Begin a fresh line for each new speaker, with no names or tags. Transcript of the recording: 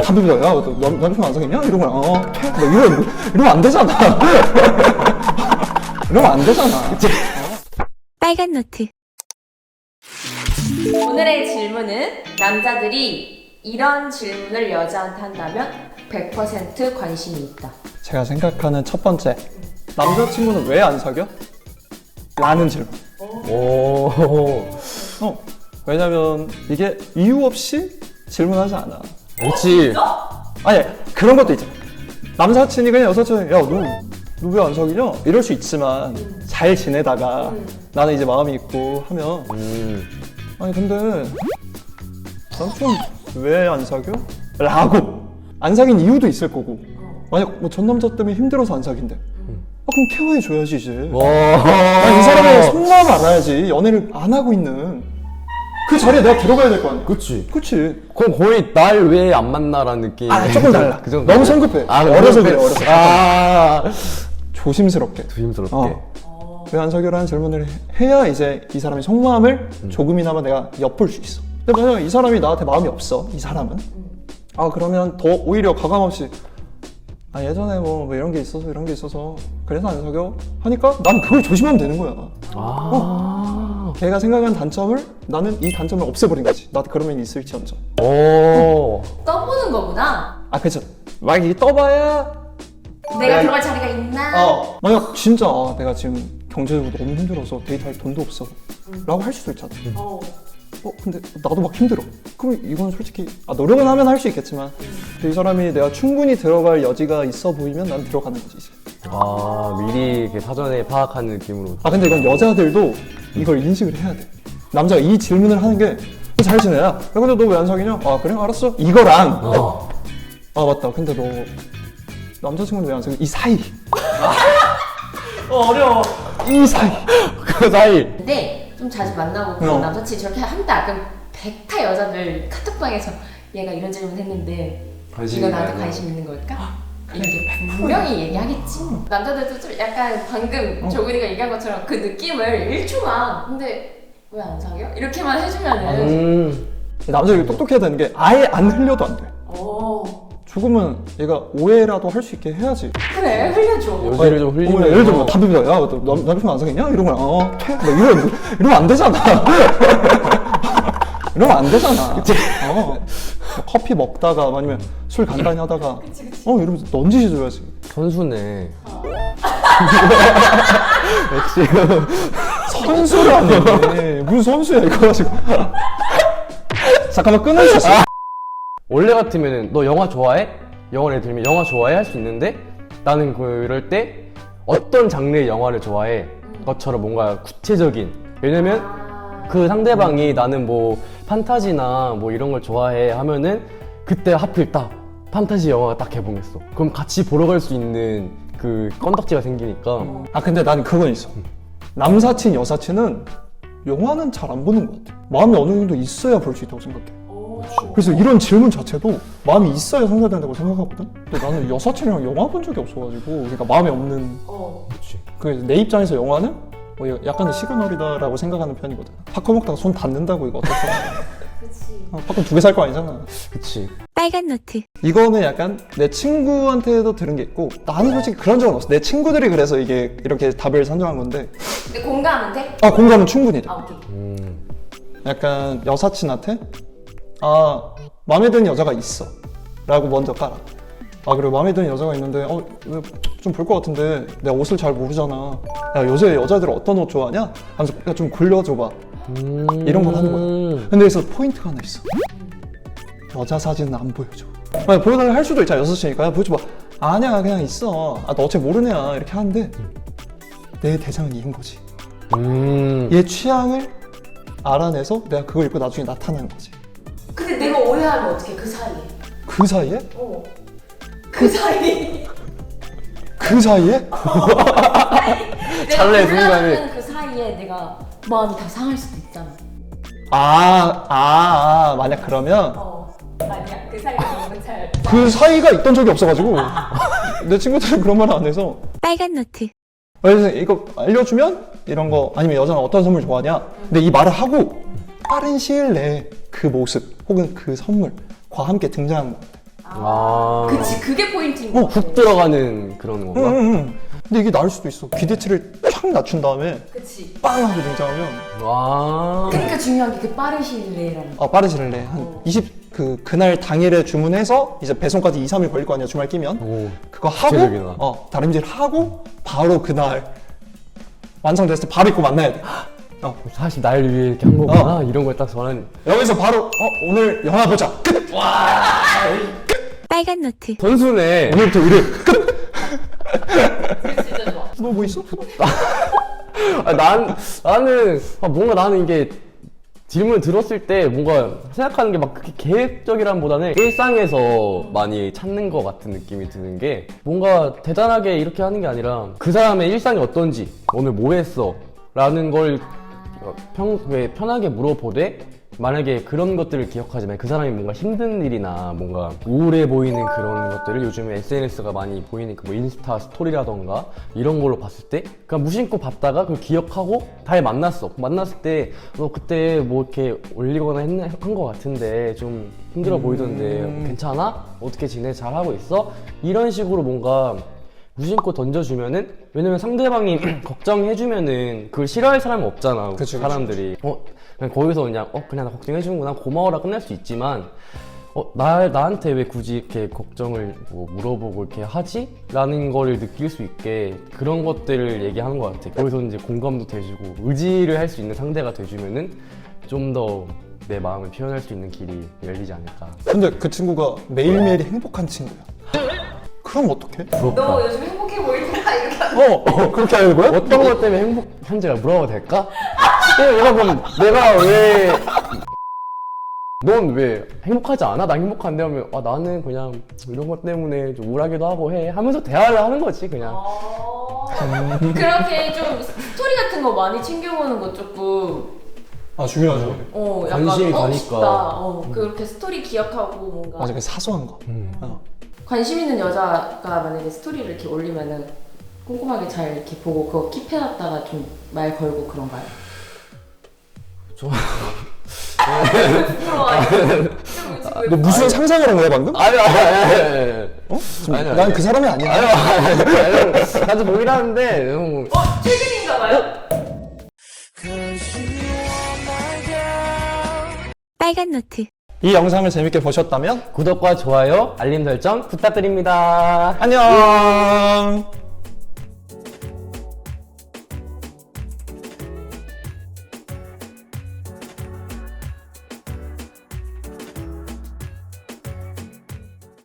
담배 피워. 야, 너 남편 안 사귀냐? 이러면 퇴. 이러면 안 되잖아. 이러면 안 되잖아.
빨간 노트.
오늘의 질문은 남자들이 이런 질문을 여자한테 한다면 100% 관심이 있다.
제가 생각하는 첫 번째, 남자친구는 왜 안 사겨? 라는 질문.
오.
왜냐면 이게 이유 없이 질문하지 않아.
그렇지.
아니, 그런 것도 있잖아. 남사친이 그냥 여사친이 야, 너 왜 안 사귀냐? 이럴 수 있지만 잘 지내다가 나는 이제 마음이 있고 하면 아니 근데 남친 왜 안 사겨? 라고 안 사귄 이유도 있을 거고 만약 뭐 전 남자 때문에 힘들어서 안 사귄대 그럼 케어해줘야지 이제. 아니, 이 사람의 속마음 알아야지. 연애를 안 하고 있는 그 자리에 내가 들어가야 될 거 아니야.
그치.
그치.
그럼 거의 날 왜 안 만나라는 느낌.
조금 달라.
그 정도.
너무 성급해.
아,
어려서 그래, 어려서.
아.
조심스럽게.
조심스럽게.
왜 안 사귀라는 질문을 해야 이제 이 사람의 속마음을 조금이나마 내가 엿볼 수 있어. 근데 만약 이 사람이 나한테 마음이 없어, 이 사람은. 그러면 더 오히려 가감없이 예전에 뭐 이런 게 있어서 그래서 안 사겨 하니까 난 그걸 조심하면 되는 거야. 걔가 생각한 단점을 나는 이 단점을 없애버린 거지. 나도 그러면 있을지언정.
오.
떠보는 거구나.
그쵸. 막 이게 떠봐야
내가 들어갈 자리가 있나?
만약 진짜 내가 지금 경제적으로 너무 힘들어서 데이트할 돈도 없어 라고 할 수도 있잖아. 근데 나도 막 힘들어. 그럼 이건 솔직히 노력은 하면 할 수 있겠지만 근데 이 사람이 내가 충분히 들어갈 여지가 있어 보이면 난 들어가는 거지 이제.
미리 이렇게 사전에 파악하는 느낌으로.
근데 이건 여자들도 이걸 인식을 해야 돼. 남자가 이 질문을 하는 게 잘 지내야. 야 근데 너 왜 안 사귀냐? 그래 알았어. 이거랑 맞다. 근데 너 남자친구는 왜 안 사귀냐? 이 사이. 어려워. 이 사이.
그 사이.
근데 좀 자주 만나고 그런 남사친이 저렇게 한다. 그럼 100타 여자들 카톡방에서 얘가 이런 질문 했는데 이거 나한테 관심 있는 걸까? 이렇게 분명히 얘기하겠지. 남자들도 좀 약간 방금 조근이가 얘기한 것처럼 그 느낌을 1초만 근데 왜 안 사겨? 이렇게만 해주면은
남자들이 똑똑해야 되는 게 아예 안 흘려도 안 돼. 조금은 얘가 오해라도 할 수 있게 해야지.
그래 흘려줘.
여지를 좀 흘리면.
예를 들면 담배 피워. 야, 너 남편 안 사귀냐? 이러면 퇴. 이러면 안 되잖아. 이러면 안 되잖아. 그치? 커피 먹다가 아니면 술 간단히 하다가 이러면서 넌지셔줘야지.
선수네.
선수라니. 무슨 선수야 이거 가지고. 잠깐만 끊을 수 있어.
원래 같으면은 너 영화 좋아해? 영화를 들면 영화 좋아해 할 수 있는데 나는 그럴 때 어떤 장르의 영화를 좋아해? 것처럼 뭔가 구체적인. 왜냐면 그 상대방이 나는 뭐 판타지나 뭐 이런 걸 좋아해 하면은 그때 하필 딱 판타지 영화가 딱 개봉했어. 그럼 같이 보러 갈 수 있는 그 건덕지가 생기니까.
근데 난 그건 있어. 남사친, 여사친은 영화는 잘 안 보는 것 같아. 마음이 어느 정도 있어야 볼 수 있다고 생각해. 그래서 이런 질문 자체도 마음이 있어야 상쇄된다고 생각하거든? 근데 나는 여사친이랑 영화 본 적이 없어가지고 그러니까 마음이 없는 그래서 내 입장에서 영화는 뭐 약간의 시그널이다라고 생각하는 편이거든. 팝콘 먹다가 손 닿는다고 이거 어떡해.
그치.
팝콘 2개 살 거 아니잖아.
그치.
빨간 노트.
이거는 약간 내 친구한테도 들은 게 있고 나는 솔직히 그런 적은 없어. 내 친구들이 그래서 이게 이렇게 답을 선정한 건데
근데 공감은 돼?
공감은 충분히 돼.
오케이.
약간 여사친한테 마음에 드는 여자가 있어 라고 먼저 깔아. 그리고 마음에 드는 여자가 있는데 좀 볼 것 같은데 내가 옷을 잘 모르잖아. 야 요새 여자들 어떤 옷 좋아하냐? 하면서 좀 골려줘봐. 이런 걸 하는 거야. 근데 여기서 포인트가 하나 있어. 여자 사진은 안 보여줘. 보여달라 할 수도 있잖아. 여사친이니까. 보여줘봐. 아니야 그냥 있어. 너 어차피 모르는 애야. 이렇게 하는데 내 대상은 얘인 거지. 얘 취향을 알아내서 내가 그걸 입고 나중에 나타나는 거지.
근데 내가 오해하면 어떡해 그 사이에?
그 사이에?
그 사이에?
그 사이에?
찰나의
내가
순간에.
골라주는 그 사이에 내가 마음이 다 상할 수도 있잖아.
만약 그러면
아니야 그 사이에 너무 잘.
그 사이가 있던 적이 없어가지고 내 친구들은 그런 말을 안 해서.
빨간 노트.
그래서 이거 알려주면 이런 거 아니면 여자는 어떤 선물 좋아하냐 근데 이 말을 하고 빠른 시일 내에 그 모습 혹은 그 선물과 함께 등장하는 것 같아.
그치, 그게 포인트인 거 같아.
훅 들어가는 그런 건가?
근데 이게 나을 수도 있어. 기대치를 쫙 낮춘 다음에
그치.
빵 하고 등장하면
와.
그러니까 중요한 게 그 빠르실래라는 거.
빠르시를래. 한 그날 당일에 주문해서 이제 배송까지 2, 3일 걸릴 거 아니야, 주말 끼면.
오.
그거 하고,
구체적이다.
다림질 하고, 바로 그날 완성됐을 때 바로 입고 만나야 돼.
사실 날 위해 이렇게 한 거구나. 이런 걸 딱 저는
여기서 바로, 오늘 영화 보자. 끝!
빨간 노트.
선수네.
오늘부터 의뢰. 끝!
진짜 좋아.
너 뭐 있어?
나는 이게 질문을 들었을 때 뭔가 생각하는 게 막 그렇게 계획적이란보다는 일상에서 많이 찾는 것 같은 느낌이 드는 게 뭔가 대단하게 이렇게 하는 게 아니라 그 사람의 일상이 어떤지 오늘 뭐 했어? 라는 걸 편하게 물어보되 만약에 그런 것들을 기억하지만 그 사람이 뭔가 힘든 일이나 뭔가 우울해 보이는 그런 것들을 요즘에 SNS가 많이 보이니까 뭐 인스타 스토리라던가 이런 걸로 봤을 때 그냥 무심코 봤다가 그걸 기억하고 잘 만났어. 만났을 때 너 그때 뭐 이렇게 올리거나 한 것 같은데 좀 힘들어 보이던데 괜찮아? 어떻게 지내? 잘하고 있어? 이런 식으로 뭔가 무심코 던져주면은 왜냐면 상대방이 걱정해주면은 그걸 싫어할 사람은 없잖아.
그치.
사람들이 그냥 거기서 그냥 나 걱정해주는구나 고마워라 끝날 수 있지만 나한테 왜 굳이 이렇게 걱정을 뭐 물어보고 이렇게 하지? 라는 거를 느낄 수 있게 그런 것들을 얘기하는 것 같아. 거기서 이제 공감도 돼주고 의지를 할 수 있는 상대가 돼주면은 좀 더 내 마음을 표현할 수 있는 길이 열리지 않을까.
근데 그 친구가 매일매일이 행복한 친구야. 그럼 어떡해?
너 요즘 행복해 보일 텐다 이렇게.
그렇게 하는 거야?
어떤 것 때문에 현재가 물어봐도 될까? 여러분 내가 왜 넌 왜 행복하지 않아? 나 행복한데 하면 나는 그냥 이런 것 때문에 좀 우울하기도 하고 해 하면서 대화를 하는 거지 그냥.
그렇게 좀 스토리 같은 거 많이 챙겨보는 거 조금
중요하죠.
약간
관심이 가니까.
싶다. 그렇게 스토리 기억하고 뭔가
맞아, 그 사소한 거.
관심 있는 여자가 만약에 스토리를 이렇게 올리면은 꼼꼼하게 잘 이렇게 보고 그거 킵해놨다가 좀 말 걸고 그런가요? 부끄러워요.
너 무슨 상상을 한 거야, 방금?
아니.
난 그 사람이 아니야.
자주 보긴 하는데
최근인가 봐요?
빨간 노트.
이 영상을 재밌게 보셨다면
구독과 좋아요 알림 설정 부탁드립니다.
안녕.